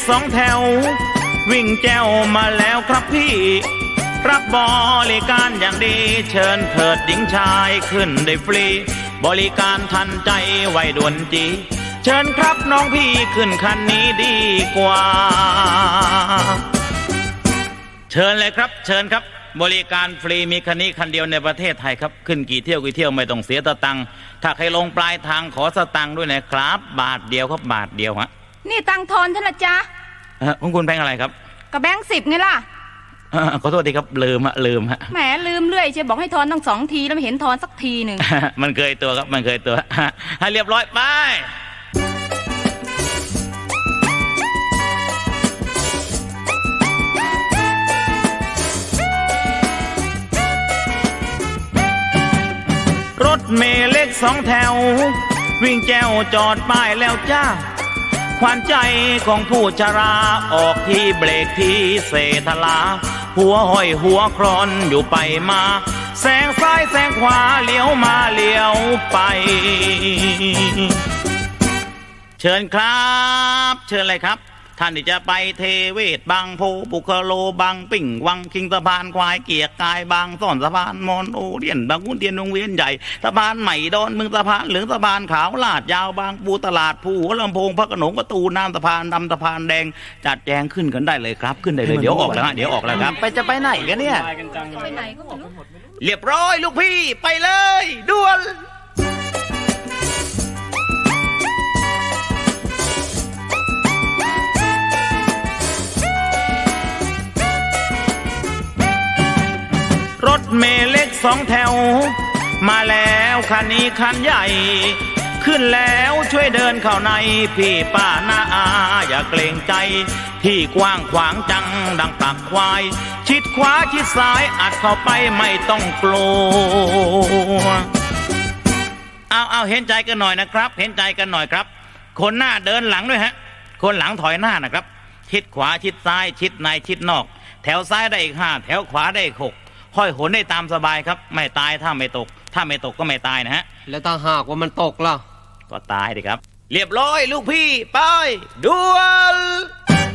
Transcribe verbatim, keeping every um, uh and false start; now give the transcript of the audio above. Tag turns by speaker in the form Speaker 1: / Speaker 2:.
Speaker 1: สองแถววิ่งแจวมาแล้วครับพี่รับบริการอย่างดีเชิญเถิดหญิงชายขึ้นได้ฟรีบริการทันใจไวด่วนจีเชิญครับน้องพี่ขึ้นคันนี้ดีกว่าเชิญเลยครับเชิญครับบริการฟรีมีคันนี้คันเดียวในประเทศไทยครับขึ้นกี่เที่ยวกี่เที่ยวไม่ต้องเสียสตังค์ถ้าใครลงปลายทางขอสตังค์ด้วยนะครับบาทเดียวครับบาทเดียวฮะ
Speaker 2: นี่ตังทอนฉันละจ๊ะ
Speaker 1: ของคุณแบงค์อะไรครับ
Speaker 2: กับแบงค์สิบไงล่ะ
Speaker 1: ขอโทษทีครับลืมฮะลืมฮะ
Speaker 2: แหมลืมเรื่อยเชียวบอกให้ทอนตั้งสองทีแล้วไม่เห็นทอนสักทีหนึ่ง
Speaker 1: มันเคยตัวครับมันเคยตัวให้เรียบร้อยไปรถเมล์เล็กสองแถววิ่งแจวจอดป้ายแล้วจ้าขวัญใจของผู้ชราออกที่เบรกที่เสทลาหัวห้อยหัวครอนอยู่ไปมาแซงซ้ายแซงขวาเลี้ยวมาเลี้ยวไปเชิญครับเชิญเลยครับท่านที่จะไปเทเวศบางโพบุคโลบางปิ่งวังคิงสะพานควายเกียกกายบางซ่อนสะพานมอนโอเดียนบางขุนเทียนวงเวียนใหญ่สะพานใหม่ดอนเมืองสะพานเหลืองสะพานขาวลาดยาวบางปูตลาดภูหัวลำโพงพระโขนงประตูน้ำสะพานดำสะพานแดงจัดแจงขึ้นกันได้เลยครับขึ้นได้เลยเดี๋ยวออกแล้วฮะเดี๋ยวออกแล้วครับ
Speaker 3: ไปจะไปไหนกันเนี่ย
Speaker 2: ไปไหนก็ไม่รู้
Speaker 1: เรียบร้อยลูกพี่ไปเลยด่วนรถเมล์เล็กสองแถวมาแล้วคันนี้คันใหญ่ขึ้นแล้วช่วยเดินเข้าในพี่ป้าน้าอาอย่าเกรงใจที่กว้างขวางจังดังปากควายชิดขวาชิดซ้ายอัดเข้าไปไม่ต้องกลัวเอาเอาเห็นใจกันหน่อยนะครับเห็นใจกันหน่อยครับคนหน้าเดินหลังด้วยฮะคนหลังถอยหน้านะครับชิดขวาชิดซ้ายชิดในชิดนอกแถวซ้ายได้อีกห้าแถวขวาได้อีกหกห้อยโหนได้ตามสบายครับไม่ตายถ้าไม่ตกถ้าไม่ตกก็ไม่ตายนะฮะ
Speaker 3: แล้วถ้าหากว่ามันตกล่ะ
Speaker 1: ก็ตายดิครับเรียบร้อยลูกพี่ไปด่วน